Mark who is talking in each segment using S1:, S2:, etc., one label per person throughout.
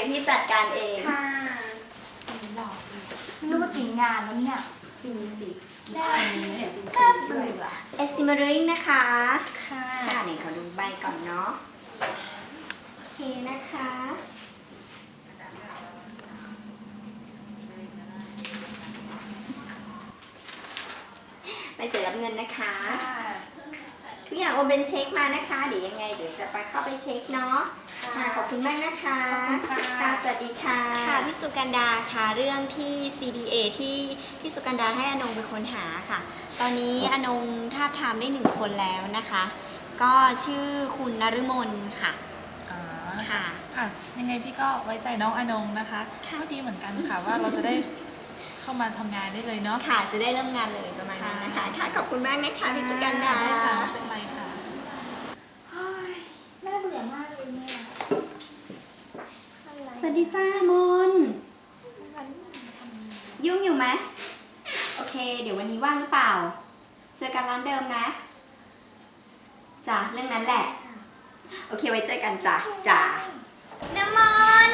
S1: ยวพี่จัดการเอง
S2: ค่ะ
S3: หล่อไม่รู้ว่ากี่งานแล้วเนี่ย
S2: จริงสิ
S3: ได้
S2: เห็นจริง
S3: น่า
S2: ๆด้
S3: เบื่
S2: วย
S3: อ
S1: estimating นะคะ
S2: ค่ะ
S1: ค่ะเดี๋ยวขอดูใบก่อนเนาะโอเคนะคะใบเสร็จรับเงินนะคะ ทุกอย่างโอนเป็นเช็คมานะคะ เดี๋ยวยังไงเดี๋ยวจะไปเข้าไปเช็คเนาะค่ะขอบคุณมากนะคะ
S2: ขอบคุณค่ะ
S1: ค่ะสวัสดีค่ะค่ะพี่สุกันดาค่ะเรื่องที่ CPA ที่พี่สุกันดาให้อนงเป็นคนหาค่ะ ตอนนี้อนงทาบทามได้1 คนแล้วนะคะ ก็ชื่อคุณนฤมลค่ะ
S4: อ๋อ
S1: ค่ะ
S4: ค่ะ ยังไงพี่ก็ไว้ใจน้องอนงนะคะก็ดีเหมือนกันค่ะว่าเราจะได้เข้ามาทำงานได้เลยเนาะ
S1: ค่ะจะได้เริ่มงานเลยประมาณนั้นนะคะค่ะขอบคุณมากนะคะพี่สุกันดา
S4: ได้ค่ะไม่เป็นไรค่ะ
S3: น่าเบื่อมากเลยเนี่ย
S1: สวัสดีจ้ามนยุ่งอยู่ไหมโอเค เดี๋ยววันนี้ว่างหรือเปล่า เจอกันร้านเดิมนะจ้ะเรื่องนั้นแหละ โอเคไว้เจอกันจ้ะจ้ะน้ำมัน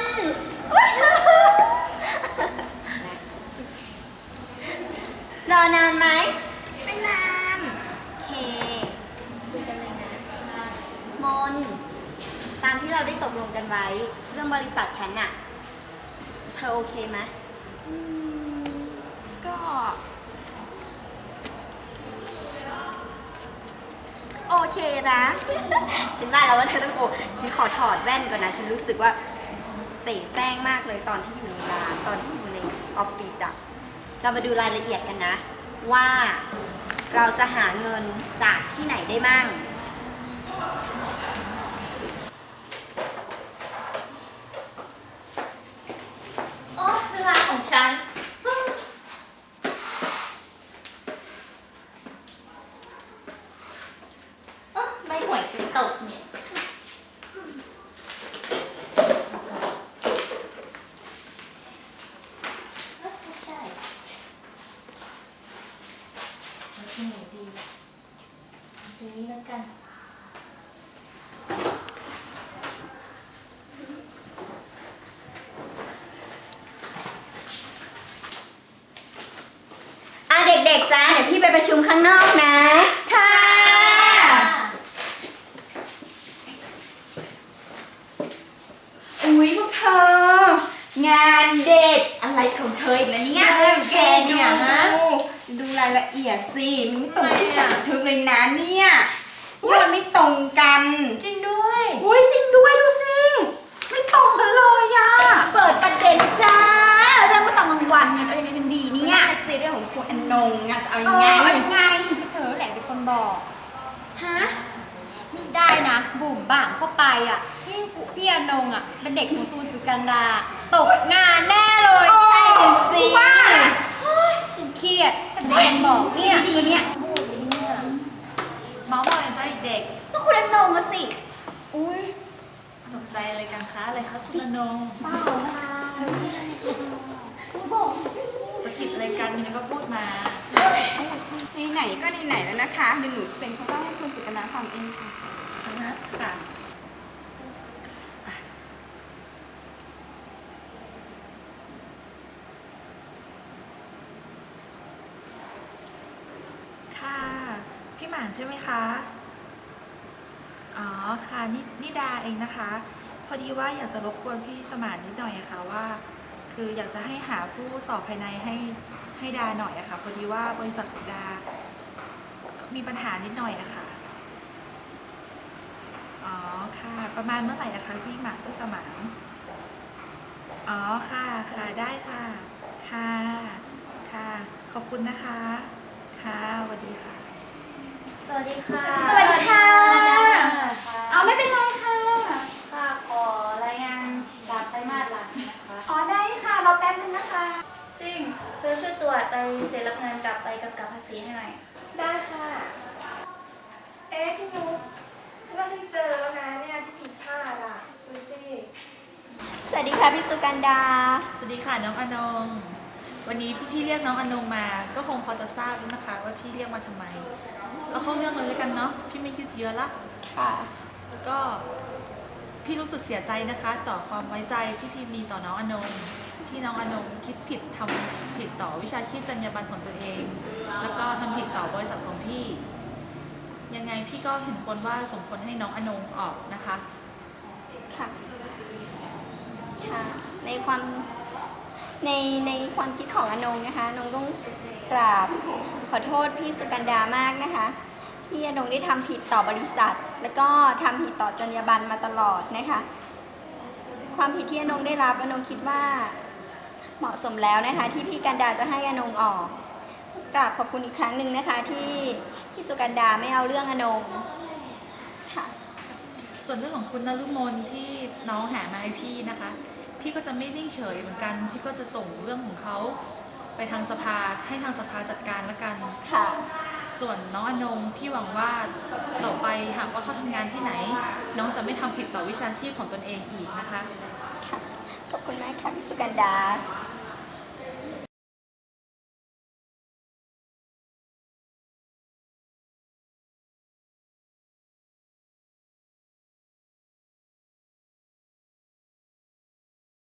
S1: รอนานไหมไม่นานโอเคคุยกันเลยนะมนตามที่เราได้ตกลงกันไว้ เรื่องบริษัทฉันอะเธอโอเคไหม
S2: ก็โอเคนะ
S1: ฉันว่าแล้วว่าเธอต้องโอฉันขอถอดแว่นก่อนนะ ฉันรู้สึกว่าเสแสร้งมากเลยตอนที่อยู่ในร้านตอนที่อยู่ในออฟฟิศอะเรามาดูรายละเอียดกันนะ ว่าเราจะหาเงินจากที่ไหนได้มั่ง
S3: โอ้เวลาของฉันใบหวยคือตกเนี่ยไม่ใช่ที่ไหนดีตรงนี้แล้วกัน
S1: อ่ะเด็กๆจ้าเดี๋ยวพี่ไปประชุมข้างนอกนะ ค่ะ
S2: อุ๊ยพวกเธอ งานเด็ก
S3: อะไรของเธออีกแล้วเนี่ย
S2: แกดูรายละเอียดสิมันไม่ตรงที่ฉันบันทึกเลยนะเนี่ยมันไม่ตรงกัน
S3: จริงด้วย
S2: อุ้ยจริงด้วยดูสิไม่ตรงกันเลยอะ
S3: เปิดประเด็นจ้า เรื่องเมื่อตอนกลางวันไงจะเอายังไงกันดีเนี่ย
S2: นี่สิเรื่องของคุณอนงอะจะเอายังไง
S3: ยังไงเธอแหละเป็นคนบอก
S2: ฮะ
S3: นี่ได้นะ บุ่มบ่ามเข้าไปอ่ะยิ่งพี่อนงอ่ะ เป็นเด็กหูซูนสุกันดา ตกงานแน่เลย
S2: ใช่เป็นสิ
S3: ว่าฉันเครียดแต่จะเป็นบอกเนี่ยดีเนี่ย
S4: เมาส์มอยกันจ้าเด็ก
S3: ก็คุณอนงอะสิ
S2: อุ้ย
S4: ตกใจอะไรกันคะอะไรคะคุณอนง
S3: เปล่าค่ะ
S4: สกิดอะไรกันมีนก็พูดมา
S2: ไหนๆก็ไหนๆแล้วนะคะเดี๋ยวหนูจะเป็นข้าเล่าให้คุณสุกนาฟังเองค่ะ
S4: ค่ะ ค่ะ พี่หมานใช่ไหมคะ อ๋อ ค่ะนี่ดาเองนะคะ พอดีว่าอยากจะรบกวนพี่สมานนิดหน่อยอะค่ะว่า คืออยากจะให้หาผู้สอบภายในให้ดาหน่อยอะค่ะ พอดีว่าบริษัทของดา มีปัญหานิดหน่อยอะค่ะ อ๋อ ค่ะ ประมาณเมื่อไหร่อะคะพี่หมานพี่สมานอ๋อ ค่ะ ค่ะ ได้ค่ะ ค่ะ ค่ะ ขอบคุณนะคะ ค่ะสวัสดีค่ะ
S1: สวัสดีค่ะ
S3: สวัสดีค่ะ เอาไม่เป็นไรค่ะ
S1: ค่ะขอรายงานการไตรมาสหลังนะคะ
S3: อ๋อได้ค่ะ รอแป๊บนึงนะคะ
S5: ซิ่งเธอช่วยตรวจใบเสร็จรับเงินกับใบกำกับภาษีให้หน่อย
S2: ได้ค่ะ เอ๊ะพี่นุ๊กฉันว่าฉันเจอแล้วนะเนี่ยที่ผิดพลาดอ่ะดูสิ
S1: สวัสดีค่ะพี่สุกันดา
S4: สวัสดีค่ะน้องอนง วันนี้ที่พี่เรียกน้องอนงมา ก็คงพอจะทราบแล้วนะคะ ว่าพี่เรียกมาทำไมเราเข้าเรื่องเลยแล้วกันเนาะ พี่ไม่ยืดเยื้อละ
S1: ค่ะ
S4: ก็พี่รู้สึกเสียใจนะคะต่อความไว้ใจที่พี่มีต่อน้องอนงที่น้องอนงคิดผิดทำผิดต่อวิชาชีพจรรยาบรรณของตัวเอง แล้วก็ทำผิดต่อบริษัทของพี่ ยังไงพี่ก็เห็นควรว่าสมควรให้น้องอนงออกนะคะ
S1: ค่ะ ค่ะ ในความคิดของอนงนะคะอนงต้องกราบขอโทษพี่สุกันดามากนะคะที่อนงได้ทำผิดต่อบริษัท แล้วก็ทำผิดต่อจรรยาบรรณมาตลอดนะคะ ความผิดที่อนงได้รับอนงคิดว่าเหมาะสมแล้วนะคะ ที่พี่กันดาจะให้อนงออกกราบขอบคุณอีกครั้งหนึ่งนะคะ ที่พี่สุกันดาไม่เอาเรื่องอนงค่ะ
S4: ส่วนเรื่องของคุณนฤมลที่น้องหามาให้พี่นะคะ พี่ก็จะไม่นิ่งเฉยเหมือนกัน พี่ก็จะส่งเรื่องของเขาไปทางสภาให้ทางสภาจัดการละกัน
S1: ค่ะ
S4: ส่วนน้องอนงพี่หวังว่าต่อไปหากว่าเขาทำงานที่ไหน น้องจะไม่ทำผิดต่อวิชาชีพของตนเองอีกนะคะ
S1: ค่ะ ขอบคุณมากค่ะพี่สุกันดา